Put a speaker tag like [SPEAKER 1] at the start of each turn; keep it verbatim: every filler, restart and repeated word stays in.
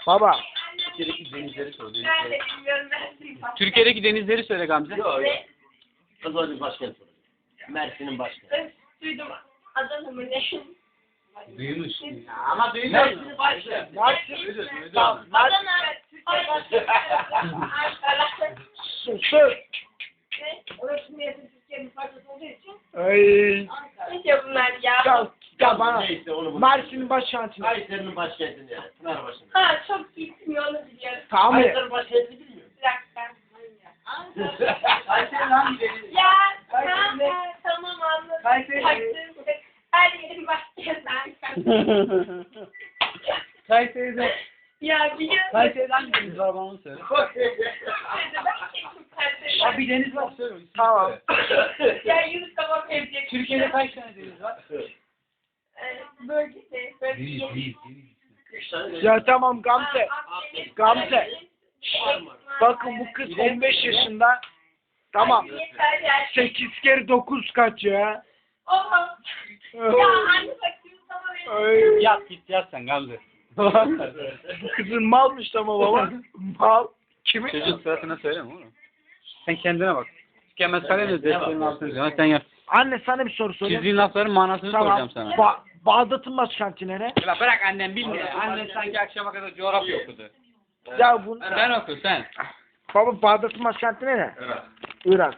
[SPEAKER 1] Baba.
[SPEAKER 2] Türkiye'deki denizleri sor.
[SPEAKER 3] Ben
[SPEAKER 2] Denizleri.
[SPEAKER 3] de bilmiyorum, ben duymadım.
[SPEAKER 2] Türkiye'deki denizleri söyle Gamze.
[SPEAKER 4] Yok.
[SPEAKER 3] Ne?
[SPEAKER 4] Kızılay'ın başkenti. Mersin'in başkenti.
[SPEAKER 3] Ben duydum. Adana mı ne?
[SPEAKER 2] Duymuş.
[SPEAKER 4] Ama Mersin'in başkenti.
[SPEAKER 1] Tamam.
[SPEAKER 3] Adana. Türkiye Ankara.
[SPEAKER 1] Sus.
[SPEAKER 3] Ne? Orası Mersin Türkiye'nin parçası olduğu için.
[SPEAKER 1] Ay.
[SPEAKER 3] Ne diyor bunlar ya?
[SPEAKER 1] Ya, ya bana.
[SPEAKER 4] Neyse onu bunu.
[SPEAKER 1] Mersin'in başkenti.
[SPEAKER 4] Kayseri'nin başkenti yani. Pınarbaşı'nın.
[SPEAKER 3] Ha çok gitmiyor onu biliyorum.
[SPEAKER 1] Tamam mı?
[SPEAKER 4] Kayseri'nin başkenti bilmiyor musun?
[SPEAKER 3] Bir dakika. Ankara.
[SPEAKER 4] Kayseri'nin hangi denizi?
[SPEAKER 3] Ya
[SPEAKER 4] Kayseri ne?
[SPEAKER 3] tamam, tamam anladım.
[SPEAKER 4] Kayseri.
[SPEAKER 3] Taktım. Her yerin başkenti Ankara.
[SPEAKER 2] Kayseri'de.
[SPEAKER 3] Ya biliyorum.
[SPEAKER 2] Kayseri'de hangi deniz var bana onu söyle. Abi bir deniz var söyle. İsmini
[SPEAKER 1] Tamam.
[SPEAKER 2] söyle.
[SPEAKER 3] Ya Yunus tamam evcek.
[SPEAKER 2] Türkiye'de kaç tane deniz var?
[SPEAKER 3] Bölgesi. Bölgesi.
[SPEAKER 2] Değil, değil, değil.
[SPEAKER 4] Üç tane deniz.
[SPEAKER 1] Ya tamam Gamze. Gamze. Bakın bu kız
[SPEAKER 2] Bir de-
[SPEAKER 1] on beş yaşında. Tamam. sekiz kere dokuz kaç ya?
[SPEAKER 3] Oha. Ya anne bak Yunus tamam evcek.
[SPEAKER 1] Ay.
[SPEAKER 2] Yat git yat sen Gamze.
[SPEAKER 1] Bu kızın malmış ama baba. Mal. Kimin?
[SPEAKER 2] Çocuk sırasına söyleme oğlum. Sen kendine bak. Tükenmez kalemiz defterin altını diyor. Sen yap.
[SPEAKER 1] Anne sana bir soru sorayım.
[SPEAKER 2] Çizdiğin lafların manasını
[SPEAKER 1] Tamam.
[SPEAKER 2] soracağım sana.
[SPEAKER 1] Ba Bağdat'ın başkenti nere?
[SPEAKER 2] Ya bırak annem bilmiyor. Annen sanki akşama kadar coğrafya okudu.
[SPEAKER 1] Ya bu
[SPEAKER 2] Sen oku sen.
[SPEAKER 1] baba Bağdat'ın başkenti nere?
[SPEAKER 2] Evet.
[SPEAKER 1] Irak.